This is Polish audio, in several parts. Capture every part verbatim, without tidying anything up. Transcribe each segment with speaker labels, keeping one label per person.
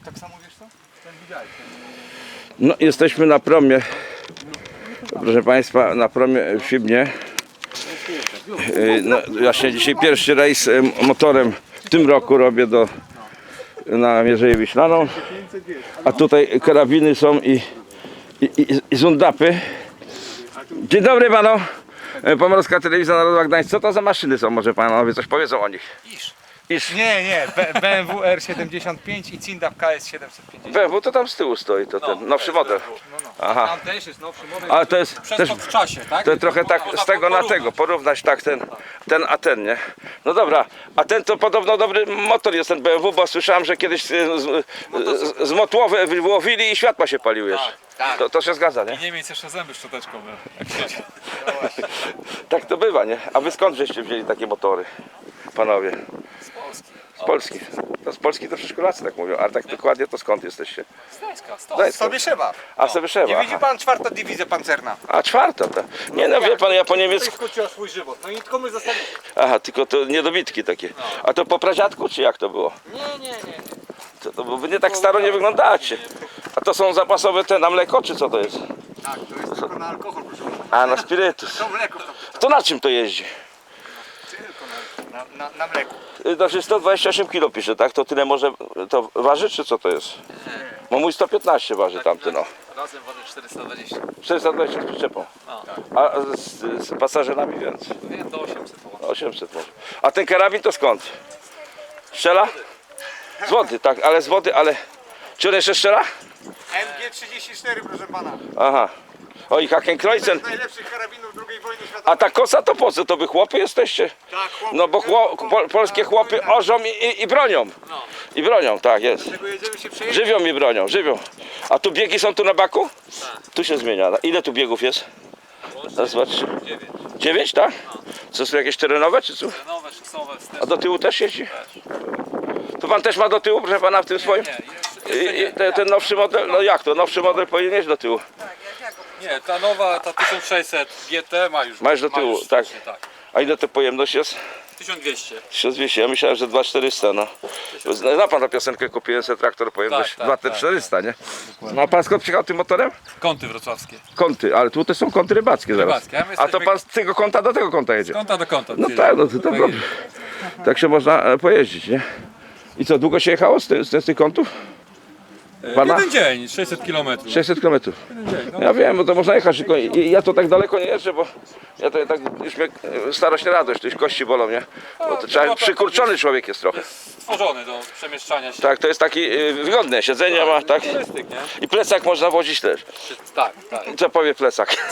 Speaker 1: tak samo wiesz co? Ten widziałeś.
Speaker 2: No jesteśmy na promie, proszę Państwa, na promie w Szybnie. No, właśnie dzisiaj pierwszy rejs motorem w tym roku robię do, na Mierzeję Wiślaną. A tutaj karabiny są i, i, i, i zundapy. Dzień dobry panu. Pomorska Telewizja Narodowa Gdańsk. Co to za maszyny są? Może panowie coś powiedzą o nich?
Speaker 1: Iż.
Speaker 2: Iż.
Speaker 1: Nie, nie, B- B M W R siedemdziesiąt pięć i Cindap K S siedemset pięćdziesiąt.
Speaker 2: B M W to tam z tyłu stoi, to ten nowszy model.
Speaker 1: No, no.
Speaker 2: Aha.
Speaker 1: Tam też jest nowszy model.
Speaker 2: Ale to jest też,
Speaker 1: Przeskok w czasie, tak?
Speaker 2: to trochę tak z tego na tego, porównać tak ten, ten a ten, nie? No dobra, a ten to podobno dobry motor jest ten B M W, bo słyszałem, że kiedyś e, z, z, z motłowy wyłowili i światła się paliły jeszcze.
Speaker 1: tak.
Speaker 2: To, to się zgadza, nie?
Speaker 1: Niemiec jeszcze zęby szczoteczkowe.
Speaker 2: Tak to bywa, nie? A wy skąd żeście wzięli takie motory, panowie?
Speaker 1: Z Polski.
Speaker 2: Z Polski. To z Polski to przedszkolacy tak mówią, ale tak dokładnie to skąd jesteście?
Speaker 1: Z Gdańska, stąd.
Speaker 2: Gdańska.
Speaker 1: Sobie szyba.
Speaker 2: A sobie
Speaker 1: Nie
Speaker 2: trzeba.
Speaker 1: widzi pan czwarta dywizja pancerna?
Speaker 2: A czwarta to. Nie no wie pan, ja po niemiecku.
Speaker 1: Skróciła swój żywot. No i tylko my zostali.
Speaker 2: Aha, tylko to niedobitki takie. A to po pradziadku czy jak to było?
Speaker 1: Nie, nie, nie.
Speaker 2: To, to, bo wy nie tak staro nie wyglądacie. A to są zapasowe te na mleko, czy co to jest?
Speaker 1: Tak, to jest tylko na alkohol, proszę pana.
Speaker 2: A, na spirytus.
Speaker 1: To mleko to.
Speaker 2: To na czym to jeździ?
Speaker 1: Tylko na, na, na, na mleku.
Speaker 2: Y, Znaczy sto dwadzieścia osiem kilo pisze, tak? To tyle może, to waży, czy co to jest? Bo mój sto piętnaście waży tamty, no.
Speaker 1: Razem waży czterysta dwadzieścia.
Speaker 2: czterysta dwadzieścia z przyczepą. A z, z pasażerami więcej.
Speaker 1: Wiem, do osiemset było.
Speaker 2: osiemset może. A ten karabin to skąd? Strzela? Z wody, tak, ale z wody, ale... Czy on jeszcze strzela?
Speaker 1: M G trzydzieści cztery, proszę pana.
Speaker 2: Aha. O i Hakenkreuzen.
Speaker 1: Z najlepszych karabinów drugiej wojny światowej.
Speaker 2: A ta kosa to po co? To wy chłopy jesteście?
Speaker 1: Tak, chłopcy.
Speaker 2: No bo chło, po, polskie chłopy orzą i, i, i bronią.
Speaker 1: No.
Speaker 2: I bronią, tak jest.
Speaker 1: Tego jedziemy się przejeździć.
Speaker 2: Żywią i bronią, żywią. A tu biegi są tu na baku? Tu się zmienia. Ile tu biegów jest? Raz, dwa, trzy.
Speaker 1: dziewięć.
Speaker 2: Dziewięć, tak? Co są jakieś terenowe czy co?
Speaker 1: Nowe, szosowe,
Speaker 2: A do tyłu też jeździ? To pan też ma do tyłu, proszę pana, w tym swoim? I, i ten, ten nowszy model? No jak to? Nowszy model powinien mieć do tyłu.
Speaker 3: Nie, ta nowa, ta tysiąc sześćset G T ma już.
Speaker 2: Ma już do
Speaker 3: ma
Speaker 2: tyłu,
Speaker 3: już
Speaker 2: tak.
Speaker 3: sztucznie, tak.
Speaker 2: A ile to pojemność jest?
Speaker 3: tysiąc dwieście.
Speaker 2: tysiąc dwieście, ja myślałem, że dwa tysiące czterysta, no. Zna pan tę piosenkę, kupiłem sobie traktor, pojemność
Speaker 3: Tak, tak,
Speaker 2: dwa tysiące czterysta, nie? No a pan skąd przyjechał tym motorem?
Speaker 3: Kąty wrocławskie.
Speaker 2: Kąty, ale tu też są kąty rybackie zaraz.
Speaker 3: Rybackie, a my
Speaker 2: A to
Speaker 3: jesteśmy-
Speaker 2: pan z tego kąta do tego kąta jedzie?
Speaker 3: Kąta do kąta.
Speaker 2: No
Speaker 3: czyli-
Speaker 2: tak, no to, to dobrze. Tak się można e, pojeździć, nie? I co, długo się jechało z, ty, z, z tych kątów?
Speaker 3: E,
Speaker 2: Pana?
Speaker 3: Jeden dzień, sześćset kilometrów.
Speaker 2: sześćset kilometrów.
Speaker 3: No,
Speaker 2: Ja wiem, bo to można jechać, tylko i- ja to tak daleko nie jeżdżę, bo ja to tak już mnie e, starość nie radość, to już kości bolą, nie? Bo to trzeba, przykurczony człowiek jest trochę.
Speaker 3: stworzony do przemieszczania się.
Speaker 2: Tak, to jest taki e, wygodne, siedzenie ma, tak?
Speaker 3: Turystyk, nie?
Speaker 2: I plecak można wozić też.
Speaker 3: Tak, tak.
Speaker 2: Co powie plecak?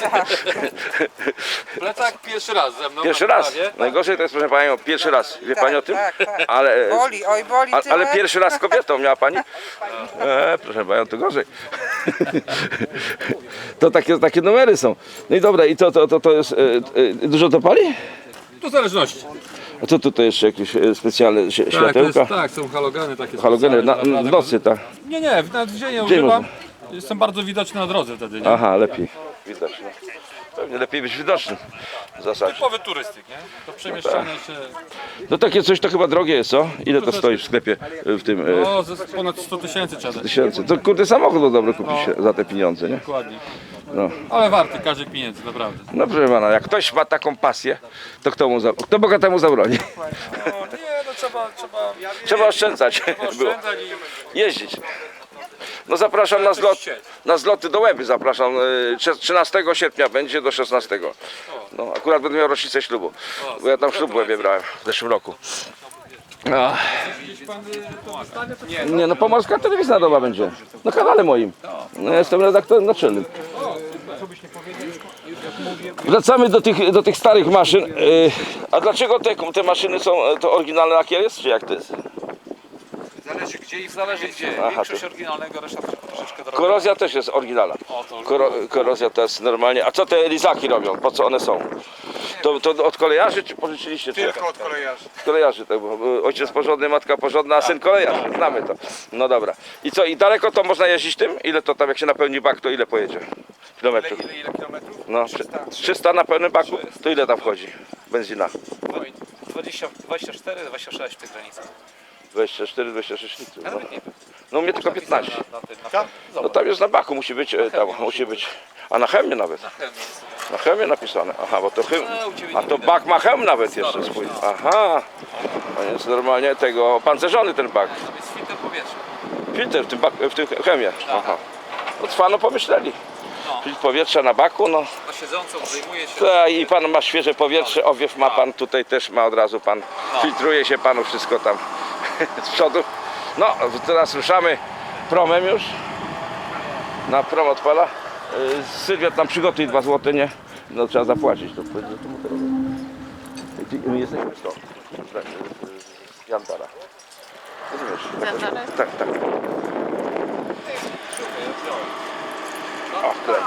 Speaker 3: Plecak pierwszy raz ze mną.
Speaker 2: Pierwszy
Speaker 3: na
Speaker 2: raz.
Speaker 3: wyprawie.
Speaker 2: Najgorzej to jest, proszę panią, pierwszy raz. Wie pani o tym?
Speaker 4: tak, tak.
Speaker 2: Ale,
Speaker 4: Boli, oj boli
Speaker 2: a,
Speaker 4: tyle.
Speaker 2: ale pierwszy raz z kobietą miała pani? E, proszę panią, to gorzej. To takie, takie numery są. No i dobra, i to, to, to, to jest. E, e, dużo to pali?
Speaker 3: Tu zależności.
Speaker 2: A co tutaj jeszcze jakieś e, specjalne ś-
Speaker 3: Tak, to jest,
Speaker 2: światełka?
Speaker 3: tak, są halogeny takie.
Speaker 2: Halogeny na,
Speaker 3: specjalne,
Speaker 2: w nocy, tak.
Speaker 3: Nie, nie, nawet w dzień nie
Speaker 2: Dzień
Speaker 3: używam. Jestem bardzo widoczny na drodze wtedy, nie?
Speaker 2: Aha, lepiej. Widać. No. Pewnie lepiej być widocznym w zasadzie.
Speaker 3: Typowy turystyk, nie? To przemieszczanie się.
Speaker 2: No takie coś to chyba drogie jest, co? Ile to stoi w sklepie e, w tym? E,
Speaker 3: O, ze ponad sto tysięcy trzeba dać.
Speaker 2: tysięcy. To kurde samochód to dobry kupić za te pieniądze, nie?
Speaker 3: Dokładnie.
Speaker 2: No.
Speaker 3: Ale warty każdych pieniędzy, naprawdę.
Speaker 2: No proszę pana, jak ktoś ma taką pasję, to kto mu za... kto bogatemu zabroni?
Speaker 3: No, nie, no trzeba, trzeba
Speaker 2: Trzeba oszczędzać. Było.
Speaker 3: oszczędzać i
Speaker 2: Jeździć. No zapraszam na, zlot, na zloty do Łeby, zapraszam. y, trzynastego sierpnia będzie do szesnastego. No akurat będę miał rocznicę ślubu, bo ja tam ślub w Łebie brałem w zeszłym roku. No. Nie, no Pomorska Telewizja Narodowa będzie. Na kanale moim. No, ja jestem redaktorem naczelnym. Wracamy do tych, do tych starych maszyn. Y, a dlaczego te, te maszyny są to oryginalny lakier jest, czy jak to jest?
Speaker 1: Zależy gdzie i zależy gdzie.
Speaker 2: Aha,
Speaker 1: Większość
Speaker 2: to-
Speaker 1: oryginalnego, reszta troszeczkę droga.
Speaker 2: Korozja też jest oryginalna.
Speaker 3: O, to
Speaker 2: Koro, korozja to jest normalnie. A co te lizaki robią? Po co one są? To, to od kolejarzy czy pożyczyliście? Czy?
Speaker 1: Tylko od kolejarzy.
Speaker 2: Kolejarzy, tak, bo ojciec porządny, matka porządna, a syn kolejarz. Znamy to. No dobra. I co, i daleko to można jeździć tym? Ile to tam, jak się napełni bak, to ile pojedzie?
Speaker 1: Ile,
Speaker 2: Kilometrów?
Speaker 1: ile, ile kilometrów?
Speaker 2: No, trzysta na pełnym baku? To ile tam wchodzi? Benzina?
Speaker 1: dwadzieścia, dwadzieścia cztery, dwadzieścia sześć w tych granicach.
Speaker 2: dwadzieścia cztery dwadzieścia sześć litrów. No.
Speaker 1: Nawet nie wiem.
Speaker 2: No u mnie tylko piętnaście.
Speaker 3: Na, na tym, na
Speaker 1: Tak?
Speaker 2: No tam jest na baku, musi być, e, tam musi być. A na chemie nawet.
Speaker 3: chemii jest.
Speaker 2: Na chemie napisane. Aha, bo to chem...
Speaker 3: No, u ciebie
Speaker 2: A
Speaker 3: nie
Speaker 2: to
Speaker 3: widać.
Speaker 2: bak ma hem nawet jeszcze swój. Aha. To jest normalnie tego opancerzony ten bak.
Speaker 3: To jest filtr powietrza.
Speaker 2: Filtr w tym, bak, w tym chemie. Aha. No cwano pomyśleli.
Speaker 3: No.
Speaker 2: Filtr powietrza na baku, no.
Speaker 3: Na siedzącą zajmuje się.
Speaker 2: Ta, i pan ma świeże powietrze, owiew ma pan tutaj też ma od razu pan. Filtruje się panu wszystko tam z przodu. No, teraz ruszamy promem już. Na prom odpala. Yy, Sylwia tam przygotuj dwa złote, nie? No trzeba zapłacić. To, to, to motorowe. I My jesteśmy z to. Z Jantara. Rozumiesz?
Speaker 4: Jantara?
Speaker 2: Tak, tak. O, klej.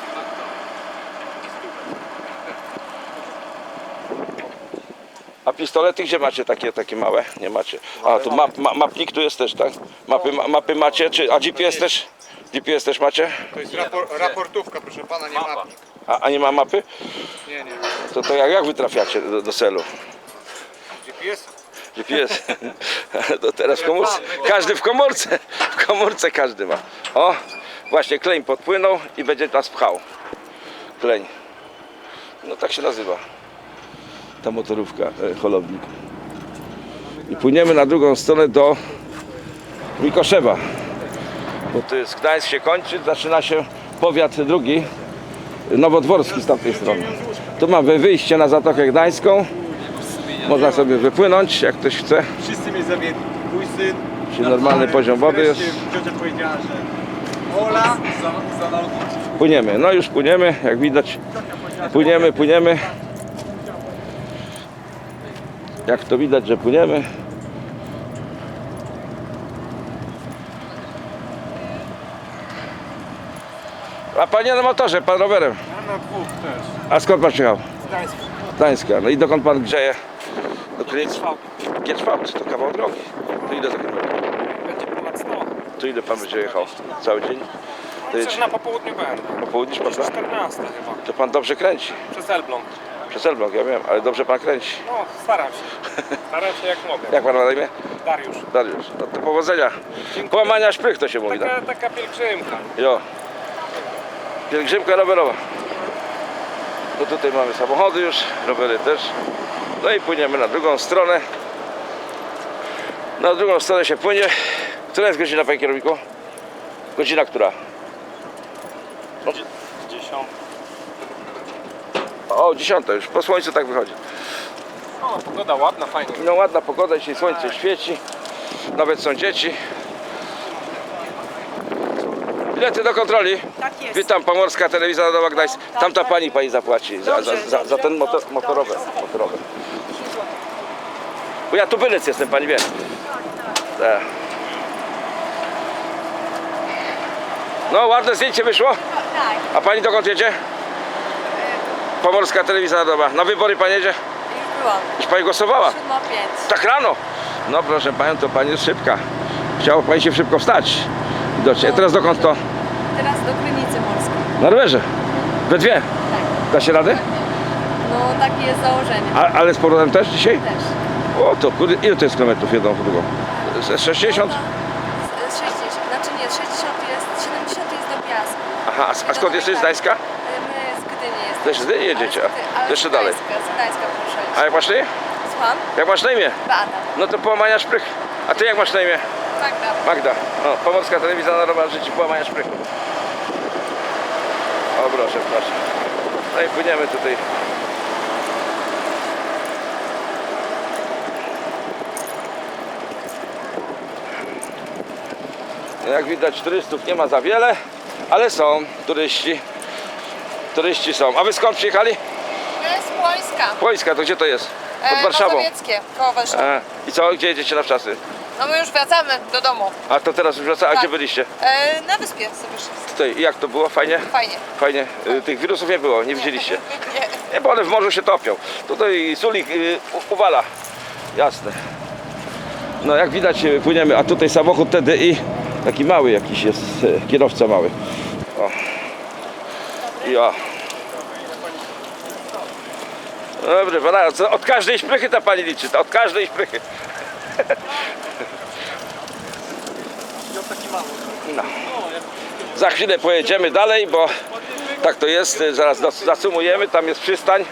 Speaker 2: A pistolety gdzie macie takie, takie małe? Nie macie. A tu map, ma, mapnik tu jest też, tak? Mapy, ma, mapy macie, czy, a G P S też? G P S też macie?
Speaker 1: To jest rapor, raportówka, proszę pana, nie
Speaker 3: Mapa.
Speaker 1: mapnik.
Speaker 2: A, a nie ma mapy?
Speaker 1: Nie, nie.
Speaker 2: To, to jak, jak wy trafiacie do, do celu?
Speaker 1: G P S?
Speaker 2: G P S? To teraz w komórce. Każdy w komórce. W komórce każdy ma. O, właśnie kleń podpłynął i będzie nas pchał. Kleń. No tak się nazywa. Ta motorówka, e, holownik. I płyniemy na drugą stronę do Mikoszewa. Bo to jest Gdańsk się kończy, zaczyna się powiat drugi, nowodworski z tamtej strony. Tu mamy wyjście na Zatokę Gdańską. Można sobie wypłynąć, jak ktoś chce.
Speaker 1: Wszyscy mnie zawiedli. Mój syn.
Speaker 2: Czyli normalny poziom wody jest.
Speaker 1: Ciocia powiedziała, że Ola.
Speaker 3: Za, za nauczyć.
Speaker 2: Płyniemy, no już płyniemy, jak widać. Płyniemy, płyniemy. Jak to widać, że płyniemy. A panie na motorze, pan rowerem.
Speaker 1: Na dwóch też.
Speaker 2: A skąd pan przyjechał?
Speaker 1: Gdańsk.
Speaker 2: Gdańska. No i dokąd pan grzeje? Do Krynicy?
Speaker 3: Trwał.
Speaker 2: Gierczwałt, to kawał drogi. To ile za kilometr?
Speaker 3: Będzie ponad sto.
Speaker 2: To ile pan będzie jechał? Cały dzień? To
Speaker 3: Coś
Speaker 2: jest
Speaker 3: na popołudniu będę.
Speaker 2: po południu pan da?
Speaker 3: czternaście chyba.
Speaker 2: To pan dobrze kręci.
Speaker 3: Przez Elbląg.
Speaker 2: Przez Elbląg, ja wiem, ale dobrze pan kręci.
Speaker 3: No, staram się. Staram się jak mogę.
Speaker 2: Jak pan ma na imię?
Speaker 3: Dariusz.
Speaker 2: Dariusz. No to powodzenia. Połamania szprych to się mówi, tak?
Speaker 3: Taka, taka pielgrzymka.
Speaker 2: Jo. Pielgrzymka rowerowa. No tutaj mamy samochody już, rowery też. No i płyniemy na drugą stronę. Na drugą stronę się płynie. Która jest godzina, panie kierowniku? Godzina która?
Speaker 3: Dziesiąt.
Speaker 2: O, dziesiąta już, po słońcu tak wychodzi.
Speaker 3: O, pogoda ładna, fajnie.
Speaker 2: No ładna pogoda, dzisiaj słońce świeci. Nawet są dzieci. Bilety do kontroli.
Speaker 4: Tak jest.
Speaker 2: Witam, Pomorska Telewizja Narodowa Gdańsk. Tamta pani pani zapłaci za, za, za, za ten motor, motorowy, motorowy. Bo ja tu bylec jestem, pani wie. Tak. No ładne zdjęcie wyszło.
Speaker 4: Tak,
Speaker 2: A pani dokąd jedzie? Pomorska Telewizja Narodowa. Na wybory pani jedzie?
Speaker 4: już byłam.
Speaker 2: Już pani głosowała?
Speaker 4: Siódma pięć.
Speaker 2: Tak rano? No proszę panią, to pani jest szybka. Chciało pani się szybko wstać. Widocznie. A teraz dokąd to?
Speaker 4: Teraz do Krynicy Morskiej.
Speaker 2: Na rowerze. We dwie.
Speaker 4: Tak.
Speaker 2: Da się radę?
Speaker 4: No takie jest założenie.
Speaker 2: A, ale z powrotem też dzisiaj?
Speaker 4: Też.
Speaker 2: O to kurde, ile to jest kilometrów jedną w drugą? Z- sześćdziesiąt?
Speaker 4: Z- z sześćdziesiąt, znaczy nie, sześćdziesiąt jest, siedemdziesiąt jest do Piasku.
Speaker 2: Aha, a, a skąd jesteś? Z Gdańska?
Speaker 4: My z Gdyni jesteśmy.
Speaker 2: Też z Gdyni jedziecie, a
Speaker 4: Ale z Gdy- ale
Speaker 2: to jeszcze
Speaker 4: z
Speaker 2: dalej.
Speaker 4: Gdańska, Z Gdańska proszę.
Speaker 2: A jak masz na imię?
Speaker 4: Słucham?
Speaker 2: Jak masz na imię?
Speaker 4: Beata.
Speaker 2: No to połamania szprych. A ty jak masz na imię?
Speaker 4: Magda.
Speaker 2: Magda. No, Pomorska Telewizja Narodowa życzy połamania szprychu. O proszę, proszę. No i płyniemy tutaj. Jak widać turystów nie ma za wiele, ale są turyści. Turyści są. A wy skąd przyjechali?
Speaker 5: Z Płońska.
Speaker 2: Płońska, to gdzie to jest? Pod
Speaker 5: E,
Speaker 2: Warszawą.
Speaker 5: Mazowieckie, koło Warszawy.
Speaker 2: A, I co? Gdzie jedziecie na wczasy?
Speaker 5: No my już wracamy do domu.
Speaker 2: A to teraz już wraca. A
Speaker 5: Tak.
Speaker 2: gdzie byliście?
Speaker 5: E, na wyspie sobie szliśmy.
Speaker 2: Tutaj. I jak to było? Fajnie?
Speaker 5: Fajnie.
Speaker 2: Fajnie. Y, Tych wirusów nie było, nie widzieliście.
Speaker 5: Nie.
Speaker 2: Nie, bo one w morzu się topią. Tutaj sulik y, u- uwala. Jasne. No jak widać y, płyniemy, a tutaj samochód T D I. Taki mały jakiś jest, y, kierowca mały. O. Ja. Dobry, pana, co- od każdej szprychy ta pani liczy, to od każdej szprychy. No. Za chwilę pojedziemy dalej, bo tak to jest, zaraz dos- zasumujemy, tam jest przystań.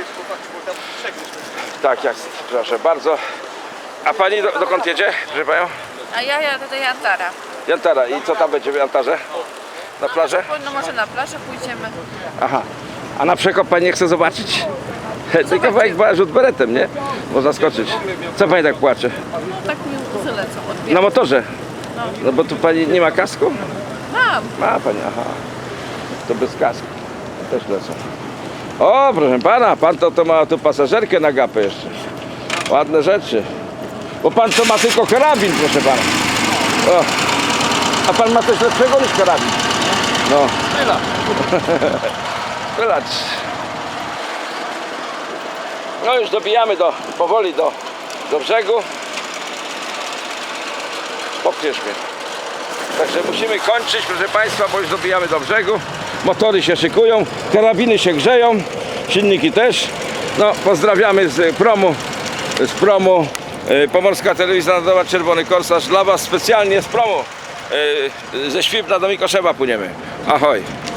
Speaker 2: Tak jest, proszę bardzo. A pani do, dokąd jedzie, proszę panią?
Speaker 5: A ja jadę do Jantara.
Speaker 2: Jantara. I co tam będzie w Jantarze? Na plażę?
Speaker 5: No może na plażę pójdziemy.
Speaker 2: Aha. A na przekop pani nie chce zobaczyć? Tylko kawałek była rzut beretem, nie? Można skoczyć. Co pani tak płacze?
Speaker 5: Tak mi łzy lecą od
Speaker 2: Na motorze? No bo tu pani nie ma kasku?
Speaker 5: Mam.
Speaker 2: Ma pani, aha. To bez kasku. Też lecą. O, proszę pana, pan to, to ma tu pasażerkę na gapę jeszcze. Ładne rzeczy. Bo pan to ma tylko karabin, proszę pana. O. A pan ma coś lepszego niż karabin. No. Wylać. No już dobijamy do, powoli do, do brzegu. Popniesz mnie. Także musimy kończyć, proszę państwa, bo już dobijamy do brzegu. Motory się szykują, karabiny się grzeją, silniki też. No, pozdrawiamy z promu, z promu y, Pomorska Telewizja Narodowa Czerwony Korsarz dla was specjalnie z promu. Y, ze Świbna do Mikoszewa płyniemy. Ahoj.